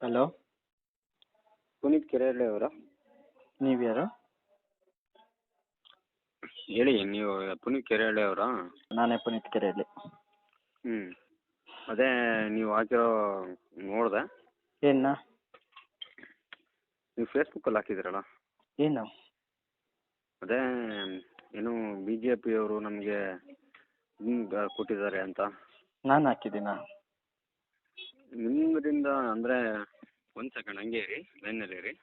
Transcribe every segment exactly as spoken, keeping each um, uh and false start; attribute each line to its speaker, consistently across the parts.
Speaker 1: Hello,
Speaker 2: Puneeth Kerehalli ಅವರಾ?
Speaker 1: ನೀವ್ಯಾರು?
Speaker 2: ಹೇಳಿ, ನೀವು ಪುನೀತ್ ಕೆರೆಹಳ್ಳಿ ಅವರಾ?
Speaker 1: ನಾನೇ ಪುನೀತ್ ಕೆರೆಹಳ್ಳಿ.
Speaker 2: ಹ್ಞೂ ಅದೇ ನೀವು ಹಾಕಿರೋ ನೋಡಿದೆ.
Speaker 1: ಏನ?
Speaker 2: ನೀವು ಫೇಸ್ಬುಕ್ಕಲ್ಲಿ ಹಾಕಿದ್ದೀರಲ್ಲ,
Speaker 1: ಏನು?
Speaker 2: ಅದೇ ಏನು ಬಿ ಜೆ ಪಿಯವರು ನಮಗೆ ಹಿಂಗೆ ಕೊಟ್ಟಿದ್ದಾರೆ ಅಂತ.
Speaker 1: ನಾನು ಹಾಕಿದ್ದೀನಾ?
Speaker 2: ನಿಮ್ಮದಿಂದ ಅಂದರೆ ಒಂದು ಸೆಕೆಂಡ್ ಹಂಗೆ ಇರಿ, ಲೈನಲ್ಲಿ ಇರಿ,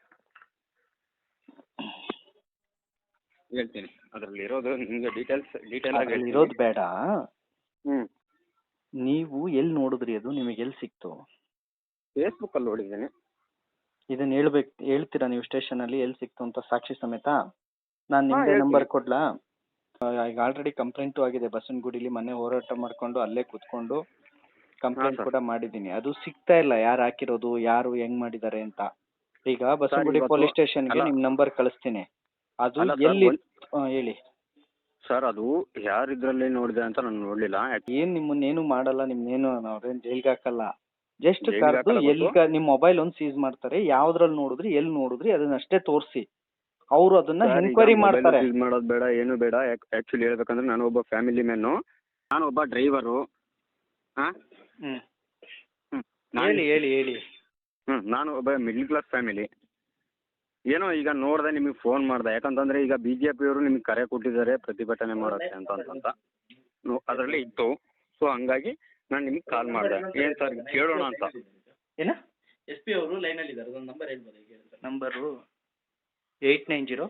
Speaker 2: ಹೇಳ್ತೀನಿ. ಅದರಲ್ಲಿ ಇರೋದು ನಿಮಗೆ ಡೀಟೇಲ್ಸ್ ಡೀಟೇಲ್ ಆಗಿ
Speaker 1: ಅದ್ರಲ್ಲಿ
Speaker 2: ಹೇಳ್ತೀನಿ.
Speaker 1: ಇರೋದು ಬೇಡ.
Speaker 2: ಹ್ಞೂ
Speaker 1: ನೀವು ಎಲ್ಲಿ ನೋಡಿದ್ರಿ? ಅದು ನಿಮಗೆ ಎಲ್ಲಿ ಸಿಕ್ತು?
Speaker 2: ಫೇಸ್ಬುಕ್ಕಲ್ಲಿ ನೋಡಿದ್ದೀನಿ.
Speaker 1: ಇದನ್ನ ಹೇಳ್ಬೇಕು, ಹೇಳ್ತೀರಾ ನೀವು ಸ್ಟೇಷನಲ್ಲಿ ಎಲ್ಲಿ ಸಿಕ್ತು ಅಂತ ಸಾಕ್ಷಿ ಸಮೇತ? ನಾನು
Speaker 2: ಹಾಂ,
Speaker 1: ನಿಮ್ಮದೇ
Speaker 2: ಹೇಳ್ತೀನಿ.
Speaker 1: ನಂಬರ್ ಕೊಡ್ಲಾ? ಈಗ ಆಲ್ರೆಡಿ ಕಂಪ್ಲೇಂಟು ಆಗಿದೆ. ಬಸವನಗುಡಿಲಿ ಮನೆ ಹೋರಾಟ ಮಾಡ್ಕೊಂಡು ಅಲ್ಲೇ ಕೂತ್ಕೊಂಡು ಕಂಪ್ಲೇಂಟ್
Speaker 2: ಸರ್.
Speaker 1: ಕೂಡ ಮಾಡಿದ್ದೀನಿ. ಅದು ಸಿಗ್ತಾ ಇಲ್ಲ, ಯಾರು ಹಾಕಿರೋದು, ಯಾರು ಹೆಂಗ್ ಮಾಡಿದ್ದಾರೆ ಅಂತ. ಈಗ ಬಸವನಗುಡಿ
Speaker 2: ಇವತ್ತು-
Speaker 1: ಪೊಲೀಸ್ ಸ್ಟೇಷನ್ಗೆ
Speaker 2: ಅಲ್ಲ.
Speaker 1: ನಿಮ್ಮ ನಂಬರ್ ಕಳಿಸ್ತೀನಿ. ಅದು
Speaker 2: ಅಲ್ಲ ಸರ್,
Speaker 1: ಎಲ್ಲಿ?
Speaker 2: ಒಂದ್-
Speaker 1: ಹಾಂ, ಹೇಳಿ.
Speaker 2: ಸರ್, ಅದು ಯಾರಿದ್ರಲ್ಲಿ ನೋಡಿದೆ ಅಂತ ನಾನು ನೋಡಲಿಲ್ಲ.
Speaker 1: ಏನ್ ನಿಮ್ಮನ್ನೇನು ಮಾಡಲ್ಲ, ನಿಮ್ನೇನು ಅವ್ರೇನು ಜೈಲ್ಗೆ ಹಾಕಲ್ಲ. ಜಸ್ಟ್
Speaker 2: ಜೈಲಿಗೆ
Speaker 1: ಕರೆದು
Speaker 2: ಹಾಕಲ್ಲ ಗೊತ್ತು.
Speaker 1: ಎಲ್ಲಿ ನಿಮ್ಮ ಮೊಬೈಲ್ ಒಂದು ಸೀಸ್ ಮಾಡ್ತಾರೆ. ಯಾವ್ದ್ರಲ್ಲಿ ನೋಡಿದ್ರಿ, ಎಲ್ಲಿ ನೋಡಿದ್ರಿ ಅದನ್ನಷ್ಟೇ ತೋರಿಸಿ. ಅವರು ಅದನ್ನ
Speaker 2: ಸರ್, ಈಗ
Speaker 1: ಎನ್ಕ್ವೈರಿ
Speaker 2: ಮೊಬೈಲ್
Speaker 1: ಮಾಡ್ತಾರೆ.
Speaker 2: ಯೂಸ್ ಮಾಡೋದು ಬೇಡ, ಏನು ಬೇಡ. ಆ್ಯಕ್ಚುಲಿ ಹೇಳ್ಬೇಕಂದ್ರೆ ನಾನು ಒಬ್ಬ ಫ್ಯಾಮಿಲಿ ಮ್ಯಾನು, ನಾನು ಒಬ್ಬ ಡ್ರೈವರು. ಹಾಂ
Speaker 1: ಹ್ಮ್
Speaker 2: ಹ್ಞೂ
Speaker 1: ಹೇಳಿ ಹೇಳಿ ಹೇಳಿ.
Speaker 2: ಹ್ಞೂ ನಾನು ಒಬ್ಬ ಮಿಡ್ಲ್ ಕ್ಲಾಸ್ ಫ್ಯಾಮಿಲಿ. ಏನೋ ಈಗ ನೋಡಿದೆ, ನಿಮಗೆ ಫೋನ್ ಮಾಡಿದೆ. ಯಾಕಂತಂದರೆ ಈಗ ಬಿ ಜೆ ಪಿಯವರು ನಿಮಗೆ ಕರೆ ಕೊಟ್ಟಿದ್ದಾರೆ ಪ್ರತಿಭಟನೆ ಮಾಡೋಕ್ಕೆ ಅಂತ ಅಂತಂತ ಅದರಲ್ಲಿ ಇತ್ತು. ಸೊ ಹಂಗಾಗಿ ನಾನು ನಿಮಗೆ ಕಾಲ್ ಮಾಡಿದೆ. ಏನು ಸರ್ ಕೇಳೋಣ ಅಂತ.
Speaker 1: ಏನ? ಎಸ್ ಪಿ ಅವರು ಲೈನಲ್ಲಿ ಇದ್ದಾರೆ. ಒಂದು ನಂಬರ್ ಹೇಳ್ಬೋದು? Number eight nine zero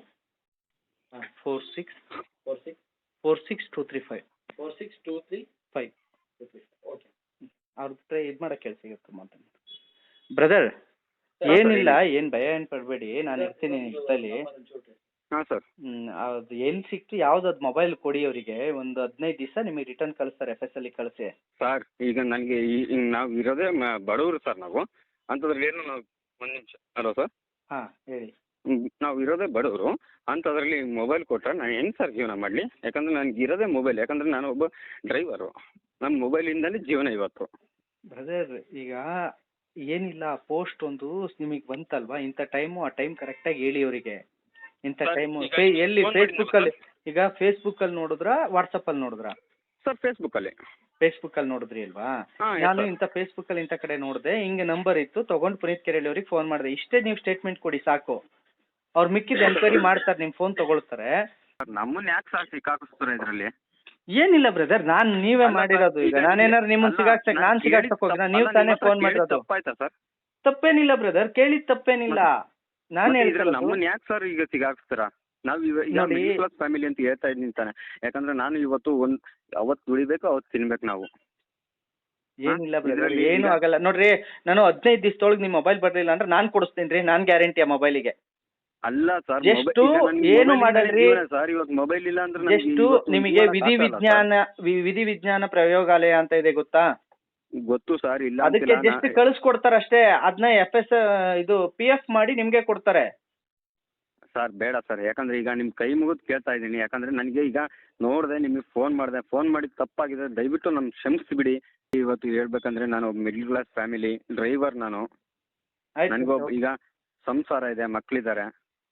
Speaker 1: four six four six four six two three five four six two three five okay. ಅವ್ರ ಹತ್ರ ಇದು ಮಾಡೋಕ್ಕೆ ಕೆಲಸ ಸಿಗುತ್ತೆ ಮಾತಾಡಿ. ಬ್ರದರ್, ಏನಿಲ್ಲ, ಏನು ಭಯ ಏನು ಪಡಬೇಡಿ, ನಾನು ಇರ್ತೀನಿ ನಿಮ್ಮ ಜೊತೆಲಿ.
Speaker 2: ಹಾಂ ಸರ್.
Speaker 1: ಹ್ಮ್, ಅದು ಎಲ್ಲಿ ಸಿಕ್ತು, ಯಾವ್ದು ಅದು ಮೊಬೈಲ್ ಕೊಡಿ ಅವರಿಗೆ. ಒಂದು ಹದಿನೈದು ದಿವಸ ನಿಮಗೆ ರಿಟರ್ನ್ ಕಳಿಸ್ತಾರೆ. ಎಫ್ ಎಸ್ ಅಲ್ಲಿ ಕಳಿಸಿ.
Speaker 2: ಸರ್, ಈಗ ನನಗೆ ಈ ನಾವು ಇರೋದೇ ಮ ಬಡವರು ಸರ್. ನಾವು ಅಂಥದ್ರಲ್ಲಿ ಏನು ನಾವು ಒಂದು ನಿಮಿಷ. Hello sir.
Speaker 1: ಹಾಂ, ಹೇಳಿ.
Speaker 2: ಹ್ಮ್, ನಾವು ಇರೋದೇ ಬಡವರು. ಅಂಥದ್ರಲ್ಲಿ ಮೊಬೈಲ್ ಕೊಟ್ಟರೆ ನಾನು ಹೆಂಗೆ ಸರ್ ಜೀವನ ಮಾಡಲಿ? ಯಾಕಂದರೆ ನನಗೆ ಇರೋದೇ ಮೊಬೈಲ್. ಯಾಕಂದರೆ ನಾನು ಒಬ್ಬ ಡ್ರೈವರು. ನಮ್ಮ ಮೊಬೈಲಿಂದಲೇ ಜೀವನ ಇವತ್ತು.
Speaker 1: ಬ್ರದರ್, ಈಗ ಏನಿಲ್ಲ, ಪೋಸ್ಟ್ ಒಂದು ನಿಮಗೆ ಬಂತಲ್ವಾ, ಇಂಥ ಟೈಮು, ಆ ಟೈಮ್ ಕರೆಕ್ಟಾಗಿ ಹೇಳಿ ಅವರಿಗೆ. ಇಂಥ
Speaker 2: ಸರ್,
Speaker 1: ಟೈಮು
Speaker 2: ಈಗ
Speaker 1: ಫೇ ಎಲ್ಲಿ
Speaker 2: ಫೋನ್
Speaker 1: ಫೇಸ್ಬುಕ್ಕಲ್ಲಿ?
Speaker 2: ಮಾಡಿದ್ನಲ್ಲ
Speaker 1: ಈಗ ಫೇಸ್ಬುಕ್ಕಲ್ಲಿ ನೋಡಿದ್ರಾ, ವಾಟ್ಸಪ್ಪಲ್ಲಿ ನೋಡಿದ್ರಾ?
Speaker 2: ಸರ್, ಫೇಸ್ಬುಕ್ಕಲ್ಲಿ.
Speaker 1: ಫೇಸ್ಬುಕ್ಕಲ್ಲಿ ನೋಡಿದ್ರಿ ಅಲ್ವಾ?
Speaker 2: ಹಾಂ, ಎಸ್
Speaker 1: ನಾನು
Speaker 2: ಸರ್.
Speaker 1: ಇಂಥ ಫೇಸ್ಬುಕ್ಕಲ್ಲಿ ಇಂಥ ಕಡೆ ನೋಡಿದೆ, ಹಿಂಗೆ ನಂಬರ್ ಇತ್ತು, ತೊಗೊಂಡು ಪುನೀತ್ ಕೆರೆಹಳ್ಳಿ ಅವ್ರಿಗೆ ಫೋನ್ ಮಾಡಿದೆ. ಇಷ್ಟೇ ನೀವು ಸ್ಟೇಟ್ಮೆಂಟ್ ಕೊಡಿ ಸಾಕು. ಅವ್ರು ಮಿಕ್ಕಿದ ಎನ್ಕ್ವೈರಿ ಮಾಡ್ತಾರೆ, ನಿಮ್ಮ ಫೋನ್ ತೊಗೊಳ್ತಾರೆ.
Speaker 2: ಸರ್, ನಮ್ಮನ್ನ ಯಾಕೆ ಸರ್ ಸಿಕ್ಕಾಕಿಸ್ತಾರೆ ಇದರಲ್ಲಿ?
Speaker 1: ಏನಿಲ್ಲ ಬ್ರದರ್, ನಾನು ನೀವೇ
Speaker 2: ಅಲ್ಲ ಸರ್,
Speaker 1: ಮಾಡಿರೋದು. ಈಗ
Speaker 2: ಈಗ
Speaker 1: ನಾನೇನಾದ್ರು ನಿಮ್ಮನ್ನ
Speaker 2: ಅಲ್ಲ,
Speaker 1: ಸಿಗಾಕ್ಸಕ್
Speaker 2: ನಾನು
Speaker 1: ನಾನು
Speaker 2: ಕೇಳಿದ್ದು
Speaker 1: ಸಿಗಾಕ್ಸಕ್ ಹೋಗಿನ?
Speaker 2: ತಪ್ಪು-
Speaker 1: ನೀವು
Speaker 2: ಅಲ್ಲ,
Speaker 1: ತಾನೇ
Speaker 2: ನಿಮ್ಮ ಹತ್ರ
Speaker 1: ಫೋನ್
Speaker 2: ಕೇಳಿದ್ದು
Speaker 1: ಮಾಡಿರೋದು.
Speaker 2: ತಪ್ಪಾಯ್ತಾ ಸರ್?
Speaker 1: ತಪ್ಪೇನಿಲ್ಲ ಬ್ರದರ್, ಕೇಳಿದ ತಪ್ಪೇನಿಲ್ಲ. ನಾನು
Speaker 2: ಮತ್ತೆ ಇದ್ರಲ್ಲಿ
Speaker 1: ಹೇಳ್ತಿರೋದು
Speaker 2: ನಮ್ಮನ್ನ ಯಾಕೆ ಸರ್ ಈಗ ಸಿಗಾಕ್ಸ್ತೀರಾ? ನಾವು ಇವ ಈಗ
Speaker 1: ನೋಡಿ.
Speaker 2: ಮಿಡ್ಲ್ ಕ್ಲಾಸ್ ಫ್ಯಾಮಿಲಿ ಅಂತ ಹೇಳ್ತಾ ಇದ್ದೀನಿ ತಾನೆ. ಯಾಕಂದ್ರೆ ನಾನು ಇವತ್ತು ಒಂದು ಅವತ್ತು ದುಡಿಬೇಕು, ಅವತ್ತು ತಿನ್ಬೇಕು ನಾವು.
Speaker 1: ಏನಿಲ್ಲ ಬ್ರದರ್,
Speaker 2: ಇದ್ರಲ್ಲಿ
Speaker 1: ಏನು
Speaker 2: ಈಗ-
Speaker 1: ಆಗಲ್ಲ ನೋಡ್ರಿ. ನಾನು ಹದಿನೈದು ದಿವಸದೊಳಗೆ ನಿಮ್ಮ ಮೊಬೈಲ್ ಬರಲಿಲ್ಲ ಅಂದ್ರೆ ನಾನು ಕೊಡಿಸ್ತೀನಿ ರೀ, ನಾನು ಗ್ಯಾರಂಟಿ ಆ ಮೊಬೈಲಿಗೆ.
Speaker 2: ಅಲ್ಲ ಸರ್,
Speaker 1: ಎಷ್ಟು ಏನು ಮಾಡಲ್ರಿ,
Speaker 2: ಸರ್ ಇವಾಗ ಮೊಬೈಲ್ ಇಲ್ಲ ಅಂದ್ರೆ
Speaker 1: ಎಷ್ಟು ನಿಮಗೆ ವಿಧಿ ವಿಜ್ಞಾನ ವಿ- ವಿಧಿ ವಿಜ್ಞಾನ ಪ್ರಯೋಗಾಲಯ ಅಂತ ಇದೆ ಗೊತ್ತಾ?
Speaker 2: ಗೊತ್ತು ಸರ್, ಇಲ್ಲ
Speaker 1: ಅದಕ್ಕೆ
Speaker 2: ಅಂತಿಲ್ಲ.
Speaker 1: ಜಸ್ಟ್ ಕಳಿಸ್ಕೊಡ್ತಾರೆ ಅಷ್ಟೇ. ಅದನ್ನ ಎಫ್ ಎಸ್ ಇದು ಪಿ ಎಫ್ ಮಾಡಿ ನಿಮ್ಗೆ ಕೊಡ್ತಾರೆ.
Speaker 2: ಸರ್ ಬೇಡ ಸರ್, ಯಾಕಂದ್ರೆ ಈಗ ನಿಮ್ಮ ಕೈ ಮುಗಿದು ಕೇಳ್ತಾ ಇದ್ದೀನಿ. ಯಾಕಂದ್ರೆ ನನಗೆ ಈಗ ನೋಡಿದೆ, ನಿಮಗೆ ಫೋನ್ ಮಾಡಿದೆ, ಫೋನ್ ಮಾಡಿದ್ದು ತಪ್ಪಾಗಿದೆ, ದಯವಿಟ್ಟು ನಮ್ಗೆ ಕ್ಷಮಿಸಿಬಿಡಿ. ಇವತ್ತು ಹೇಳ್ಬೇಕಂದ್ರೆ ನಾನು ಒಬ್ಬ ಮಿಡ್ಲ್ ಕ್ಲಾಸ್ ಫ್ಯಾಮಿಲಿ ಡ್ರೈವರ್. ನಾನು ನನಗೊಬ್ಬ
Speaker 1: ಆಯ್ತು
Speaker 2: ಈಗ ಸಂಸಾರ ಇದೆ, ಮಕ್ಕಳಿದ್ದಾರೆ.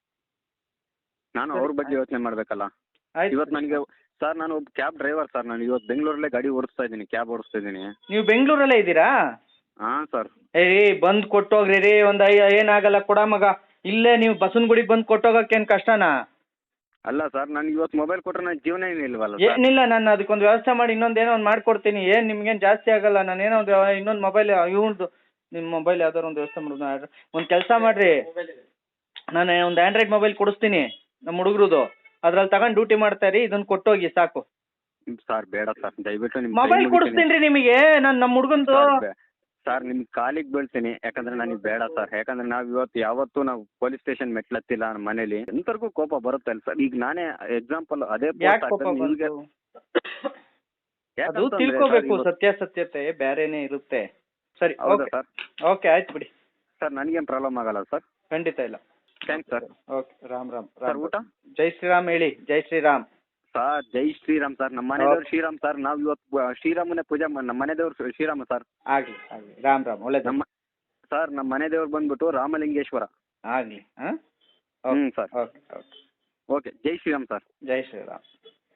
Speaker 2: ನಾನು ಅವ್ರ ಬಗ್ಗೆ ಯೋಚನೆ ಮಾಡಬೇಕಲ್ಲ. ಇವತ್ತು ನನಗೆ ಸರ್, ನಾನು ಒಬ್ಬ ಕ್ಯಾಬ್ ಡ್ರೈವರ್ ಸರ್. ನಾನು ಇವತ್ತು ಬೆಂಗಳೂರಲ್ಲೇ ಗಾಡಿ ಓಡಿಸ್ತಾ ಇದ್ದೀನಿ, ಕ್ಯಾಬ್ ಓಡಿಸ್ತಾ ಇದ್ದೀನಿ.
Speaker 1: ನೀವು ಬೆಂಗಳೂರಲ್ಲೇ ಇದ್ದೀರಾ?
Speaker 2: ಹಾಂ ಸರ್.
Speaker 1: ಏ ಬಂದು ಕೊಟ್ಟೋಗ್ರಿ ರೀ, ಒಂದು ಐ ಏನಾಗಲ್ಲ ಕೊಡ ಮಗ. ಇಲ್ಲೇ ನೀವು ಬಸವನಗುಡಿಗೆ ಬಂದು ಕೊಟ್ಟೋಗಕ್ಕೇನು ಕಷ್ಟನಾ?
Speaker 2: ಅಲ್ಲ ಸರ್, ನನಗೆ ಇವತ್ತು ಮೊಬೈಲ್ ಕೊಟ್ಟರೆ ನನ್ನ ಜೀವನ ಏನಿಲ್ವಲ್ಲ ಸರ್.
Speaker 1: ಏನಿಲ್ಲ, ನಾನು ಅದಕ್ಕೊಂದು ವ್ಯವಸ್ಥೆ ಮಾಡಿ ಇನ್ನೊಂದು ಏನೋ ಒಂದು ಮಾಡ್ಕೊಡ್ತೀನಿ. ಏನು ನಿಮ್ಗೇನು ಜಾಸ್ತಿ ಆಗಲ್ಲ. ನಾನು ಏನೋ ಒಂದು ಇನ್ನೊಂದು ಮೊಬೈಲ್ ಇವ್ನದು, ನಿಮ್ಮ ಮೊಬೈಲ್ ಯಾವ್ದಾರು ಒಂದು ವ್ಯವಸ್ಥೆ ಮಾಡೋದು. ಒಂದು ಕೆಲಸ ಮಾಡಿರಿ, ನಾನು ಒಂದು ಆ್ಯಂಡ್ರಾಯ್ಡ್ ಮೊಬೈಲ್ ಕೊಡಿಸ್ತೀನಿ ನಮ್ಮ ಹುಡುಗ್ರದು. ಅದ್ರಲ್ಲಿ ತಗೊಂಡು ಡ್ಯೂಟಿ ಮಾಡ್ತಾ ಇರಿ, ಇದನ್ನು ಕೊಟ್ಟೋಗಿ ಸಾಕು.
Speaker 2: ಸರ್ ಬೇಡ ಸರ್, ದಯವಿಟ್ಟು ನಿಮ್ಮ
Speaker 1: ಮೊಬೈಲ್ ಕೊಡಿಸ್ತೀನಿ ರೀ ನಿಮಗೆ. ನಾನು ನಮ್ಮ ಹುಡುಗಂದು
Speaker 2: ಸರ್ ನಿಮ್ಗೆ ಕಾಲಿಗೆ ಬೀಳ್ತೀನಿ. ಯಾಕಂದ್ರೆ ನನಗೆ ಬೇಡ ಸರ್. ಯಾಕಂದ್ರೆ ನಾವು ಇವತ್ತು ಯಾವತ್ತೂ ನಾವು ಪೊಲೀಸ್ ಸ್ಟೇಷನ್ ಮೆಟ್ಲತ್ತಿಲ್ಲ ನಮ್ಮ ಮನೇಲಿ. ಎಂತರ್ಗೂ ಕೋಪ ಬರುತ್ತೆ ಅಲ್ಲ ಸರ್. ಈಗ ನಾನೇ ಎಕ್ಸಾಂಪಲ್ ಅದೇ
Speaker 1: ಯಾಕೆ ಕೋಪ ಬಂತು? ಅದು ತಿಳ್ಕೋಬೇಕು, ಸತ್ಯಾಸತ್ಯತೆ ಬೇರೆನೇ ಇರುತ್ತೆ. ಸರಿ,
Speaker 2: ಹೌದಾ
Speaker 1: ಓಕೆ
Speaker 2: ಸರ್?
Speaker 1: ಓಕೆ ಆಯ್ತು ಬಿಡಿ.
Speaker 2: ಸರ್ ನನಗೇನು ಪ್ರಾಬ್ಲಮ್ ಆಗಲ್ಲ ಸರ್.
Speaker 1: ಖಂಡಿತ ಇಲ್ಲ.
Speaker 2: Thanks sir.
Speaker 1: Okay, Ram Ram
Speaker 2: sir
Speaker 1: Ram.
Speaker 2: ಊಟ?
Speaker 1: ಜೈ ಶ್ರೀರಾಮ್ ಹೇಳಿ. Jai Shriram
Speaker 2: sir Jai Shriram sir. ನಮ್ಮ ಮನೆದೇವ್ರು ಶ್ರೀರಾಮ್ ಸರ್. ನಾವು ಇವತ್ತು ಶ್ರೀರಾಮನೇ ಪೂಜೆ ಮಾಡಿ, ನಮ್ಮ ಮನೆದೇವ್ರು ಶ್ರೀರಾಮ ಸರ್.
Speaker 1: ಆಗಲಿ ಆಗಲಿ. ರಾಮ್ ರಾಮ್, ಒಳ್ಳೇದು.
Speaker 2: ನಮ್ಮ ಸರ್ ನಮ್ಮ ಮನೆ ದೇವ್ರು ಬಂದ್ಬಿಟ್ಟು ರಾಮಲಿಂಗೇಶ್ವರ.
Speaker 1: ಆಗಲಿ ಹಾಂ
Speaker 2: ಹ್ಞೂ sir.
Speaker 1: Okay okay
Speaker 2: okay Jai Shriram sir.
Speaker 1: Jai Shriram.